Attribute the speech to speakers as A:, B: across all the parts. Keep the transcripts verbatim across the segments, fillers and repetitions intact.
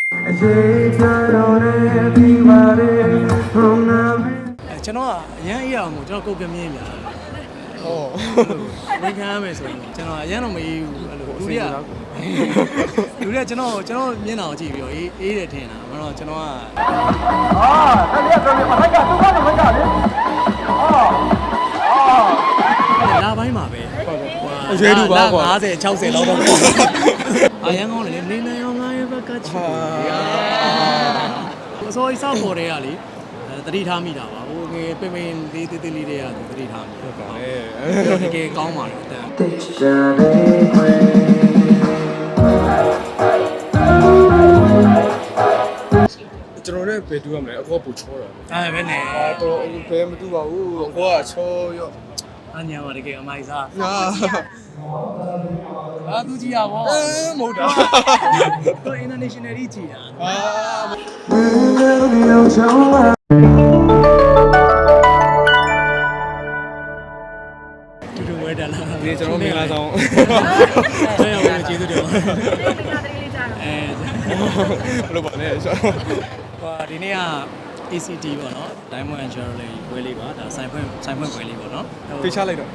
A: ကျွန်တော်ကအရန်အေးအောင်မို့ကျွန်တော်ကုတ်ကမြင်းပြာဟုတ်ဝင်ခံရမယ်ဆိုရင်ကျွန်တော်အရန်တော့မအေးဘူးအဲ့လိုလူတွေကလူတွေကကျွန်တော်ကျွန်တော်မျက်နှာကိုကြည့်ပြီးတော့အေးအေးတယ်ထင်တာမဟုတ်တော့ကျွန်တော်ကအာဆက်လက်ပြောပြမထိုက်ကသူကတော့ထိုက်ကလေအာလာပိုင်းမှာပဲဟုတ်တယ်အရွယ်တူပါကွာ၅၀ ၆၀လောက်တော့အရန်ကောင်းတယ်နေနေအောင်ငါရဲ့ဘက်ကချီအစိုးရစောက်ပေါ်တဲ့ကလေတတိထားမိတာပါဟိုငယ်ပင်ပင်လေးတေးသေးလေးတွေကတတိထားမိဟုတ်ပါလေတကယ်ကောင်းပါတယ်အတန်
B: ကျွန်တော်လည်းဘယ်တူရမလဲအကောပူချောတာ
A: အဲပဲနဲ့
B: အာတော့ဘယ်မတူပါဘူးအကောကချောရော့
A: အညာပါတကယ်အမိုက်စား
B: အာ
A: အာသူကြီးရပါ
B: အဲမဟုတ်တာ
A: တော့ international ကြီးကြည်တာ
B: အာ
A: တူတူဝဲတယ်လား
B: ဒီကျွန်တော်မင်္ဂလာဆောင်
A: ဆရာဝင်ကျေးဇူးတင်ပါအဲ
B: ဘယ်လိုပါလဲဆို
A: ဟိုဒီနေ့က A C T ပေါ့နော် Diamond and Jewelry ဘွဲလေးပါဒါဆိုင်ဖွင့်ဆိုင်ဖွင့်ဘွဲလေးပေါ့နော်
B: ပေးချလိုက်တော့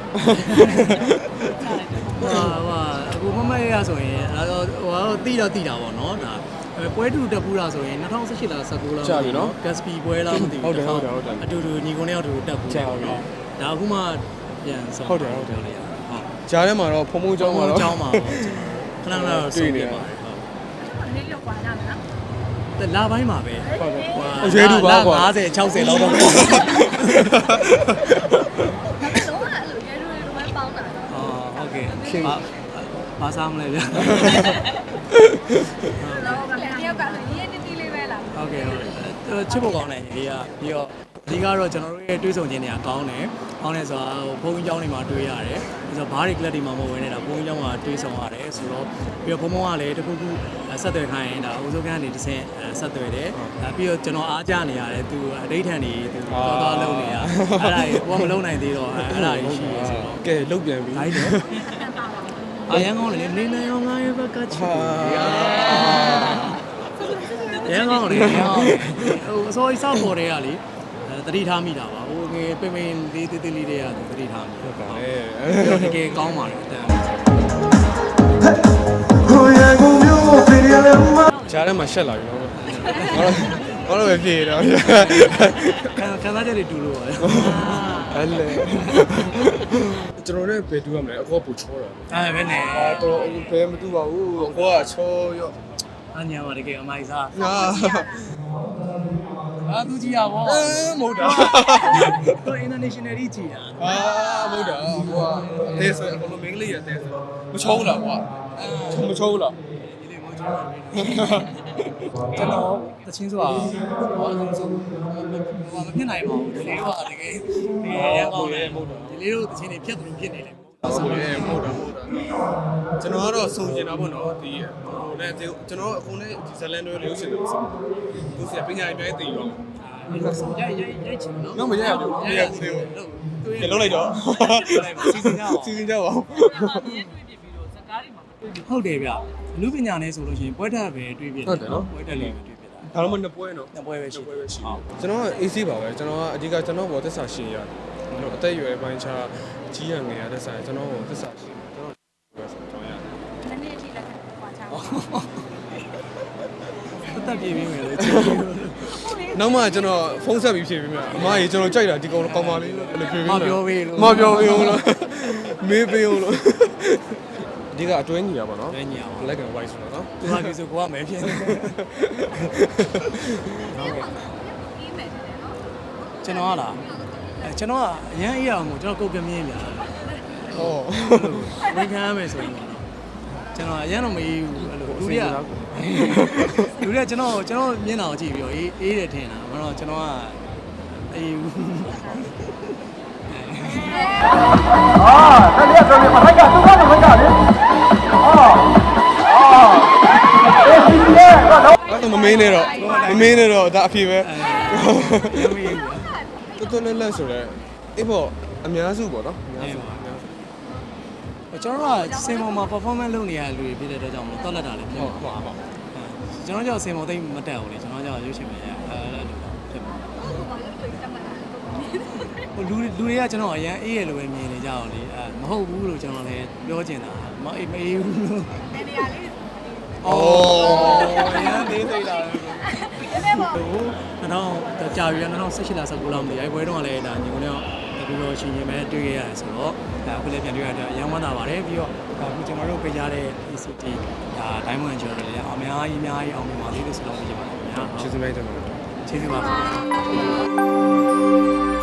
A: ဟာဟာအခုမမရဆိုရင်ဟိုတော့တိတော့တိတာပေါ့နော်ဒါပွဲတူတက်ပူးတာဆိုရင်၂၀၁၈လား၁၉လား
B: ကြာပြီနော်
A: Gatsby ပွဲလားမသိဘူး
B: ဟုတ်တယ်ဟုတ်တယ်ဟုတ်တယ်
A: အတူတူညီကုန်းရောက်တူတက်ပူးတာပေါ့နော်ဒါအခုမှပြန်ဆောင်
B: ဟုတ်တယ်ဟုတ်တယ်
A: ဟုတ်
B: ကြားထဲမှာတော့ဖုံဖုံเจ้าမှာတော့
A: เจ้าမှာပေါ့ခဏခဏတော့တွေ့နေပါတယ်
C: ဟုတ်နည်းလောက်ပါလားနော်
A: လာပိုင်းမှာပဲ
B: ဟုတ်တယ်အရွယ်တူပါကွာ
A: ၅၀ ၆၀လောက်တော့
C: တော့အဲ့လိုရဲရွယ်ရွယ်ပေါင်းတာတော့
A: အော်ဟုတ်ကဲ့ဘာဘာစားမလဲဗျာ
C: တော့ကလည်းတယောက်ကလည်းရေးတီးတီးလေးပဲလား
A: ဟုတ်ကဲ့ဟုတ်ချစ်ဖို့ကောင်းတယ်ညီလေးကပြီးတော့ဒီကတော့ကျွန်တော်တို့ရဲ့တွေးဆုံခြင်းတွေကကောင်းတယ်ကောင်းတယ်ဆိုတာဟိုဘုန်းကြီးကျောင်းတွေမှာတွေးရတယ်ပြီးတော့ဘားတွေကလပ်တွေမှာမဝင်နေတာဘုန်းကြီးကျောင်းမှာတွေးဆုံရတယ်ဆိုတော့ပြီးတော့ဘုံဘုံကလည်းတခုခုဆက်သွယ်ခိုင်းရင်ဒါအိုးစိုးကန်းနေတစ်ဆင့်ဆက်သွယ်တယ်ပြီးတော့ကျွန်တော်အားကြနေရတယ်သူအဋိဌာန်တွေသူတော်တော်လုံးနေရအဲ့ဒါကိုမလုံးနိုင်သေးတော့အဲ့ဒါကြီးရှိတယ်ဆိုတော့
B: ကဲလုတ်ပြန်ပြီ
A: ဟုတ်တယ်အရန်ကောင်းတယ်နေနေအောင်ငါရဲ့ဘက်ကချီရန်ကောင်းတယ်ဟိုအစိုးရစောက်ပေါ်တဲ့ကလေတတိထားမိတာပါဟိုငယ်ပင်ပင်လေးတေးသေးလေးတွေကတတိထားမိ
B: ဟုတ်ပါလေ
A: တကယ်ကောင်းပါတယ်အတန်
B: ကြားထဲမှာရှက်လာပြီနော်ဘာလို့ဘာလို့ပဲပြေတော့
A: ခံခံစားချက်တွေတူလို့ပါလေ
B: အဲ့လေကျွန်တော်လည်းဘယ်တူရမလဲအကောပူချောတာ
A: အဲပဲနဲ့
B: အာတော့ဘယ်မတူပါဘူးအကောကချောရော့
A: အညာပါတကယ်အမိုက်စား
B: အာ
A: အာသူကြီးရပါ
B: အဲမဟုတ်တာ
A: တော့ international ကြီးကြည်တာ
B: အာမဟုတ်တာဟိုအသေးဆိုအကုန်လုံးမင်းကလေးရအသေးဆိုမချောဘူးလားကွာအဲမချောဘူးလား
A: ဒီလေးမချောဘူးကျွန်တော်တချင်းဆိုတာဟောဆုံးဆုံးဟိုမဖြစ်နိုင်ပါဘူးဒီလေးကတကယ်တကယ်ရကောင်းတယ်မဟုတ်တော့ဒီလေးတို့တချင်းတွေဖြတ်တယ်ဖြစ်နေတယ်
B: ဟုတ်တယ်မဟုတ်တာမဟုတ်တာကျွန်တော်ကတော့စုံကျင်တာပေါ့နော်ဒီဟိုလည်းကျွန်တော်အခုလည်းဒီဇလန်တွေလို့ရှင်တယ်ဆိုသူစီပညာရေးပြည့်တည်ရော
A: ရိုက်ရိုက်ရိုက်ချင်နော်
B: တော့မရိုက်ဘူးမရိုက်ဘူးလေလုံးလိုက်တော့
A: စီစဉ်ကြအောင်
B: စီစဉ်ကြပါဦး
A: ဟုတ်တယ်ဗျလူပညာနဲ့ဆိုလို့ရှိရင်ပွဲတက်ပဲတွေးပြတယ်နော်ပွဲတက်လေးပဲတွေးပြတာ
B: ဒါတော့မနှစ်ပွဲနော်
A: နှစ်ပွဲပဲရှိ
B: ပွဲပဲရှိကျွန်တော်က A C ပါပဲကျွန်တော်ကအဓိကကျွန်တော်ဘောသက်စာရှင်ရတယ်ကျွန်တော်အသက်အရွယ်ပိုင်းခြားကြီးရငယ်ရတဲ့ဆိုင်ကျွန်တော်ကိုသက်စာရှင်ကျွန်တော်ပဲဆိုတော့ရတယ်
C: နည်းနည်းထိလက်ခံပွားချောင်း
A: တက်တက်ပြေးပြီးမယ်လေ
B: နောက်မှကျွန်တော်ဖုန်းဆက်ပြီးဖြေပေးမယ်အမကြီးကျွန်တော်ကြိုက်တာဒီကောင်ကောင်းပါလေးလို့အဲ့လိုဖြေပေးမယ်
A: မပြောပေးလို့
B: မပြောပေးဘူးလို့မေးပေးဦးလို့ဒီကအတွင်းညီရပါတော့
A: အတွင်းညီရပါ
B: black and white ဆိုတော့နော်
A: သူဟာပြီဆိုကိုကမယ်ဖြစ်နေကျွန်တော်ကလားအဲကျွန်တော်ကအရန်အေးအောင်မို့ကျွန်တော်ကုတ်ကမြင်းပြာ
B: ဟုတ်
A: ဝင်ခံရမယ်ဆိုရင်ကျွန်တော်အရန်တော့မအေးဘူးအဲ့လိုလူတွေကလူတွေကကျွန်တော်ကျွန်တော်မျက်နှာကိုကြည့်ပြီးတော့အေးအေးတယ်ထင်တာမဟုတ်တော့ကျွန်တော်ကအေးဘူးအာဆက်လက်ပြောပြမထိုက်ကသူကတော့ထိုက်ကလေအော်အော်အေးဒီလေ
B: တော့မမင်းနဲ့တော့မမင်းနဲ့တော့ဒါအဖြစ်ပဲတော်တော်လေးလက်ဆိုတော့အေးပေါ့အများစုပေါ့နော်အများစု
A: ကျွန်တော်ကစင်ပေါ်မှာ performance လုပ်နေရတဲ့လူတွေဖြစ်တဲ့အတွက်ကြောင့်မတော်လက်တာလည်းဖြစ်
B: ဟုတ်ပါပါ
A: စကျွန်တော်ကြောက်စင်မောသိမတက်ဘူးလေကျွန်တော်ကြောက်ရုပ်ရှင်ပဲအဲအဲ့လိုဖြစ်ပါ
C: ဟုတ်ပါဘူးတွေ့တတ်မှတ်တာ
A: ဟိုလူလူတွေကကျွန်တော်အရန်အေးရလို့ပဲမြင်နေကြအောင်လေအဲမဟုတ်ဘူးလို့ကျွန်တော်လည်းပြောချင်တာမအေးမအေးဘူးလို့
C: နေနေရာလေး
A: အော်အရန်သေးသေးတာ
C: ဒီနေ့ပေါ့
A: ဟိုတော့ကြာပြီ၂၀၁၈လာ၁၉လောက်မသိအဲ့ဘွဲတော့လည်းဒါညီကုန်းတော့ဒီလိုရှင်ရှင်ပဲတွေ့ခဲ့ရတယ်ဆိုတော့အခုလည်းပြန်တွေ့ရတော့အရန်ဝမ်းသာပါတယ်ပြီးတော့အခုကျွန်တော်တို့ပေးကြတဲ့ E C T ဒါ Diamond Jewelry လည်းအများကြီးအများကြီးအောင်မြင်ပါသေးလို့ဆိုတော့ပြကြပါမယ်ခင်ဗျာ
B: ကျေးဇူးများတင်ပါတယ်
A: ကျေးဇူးပါ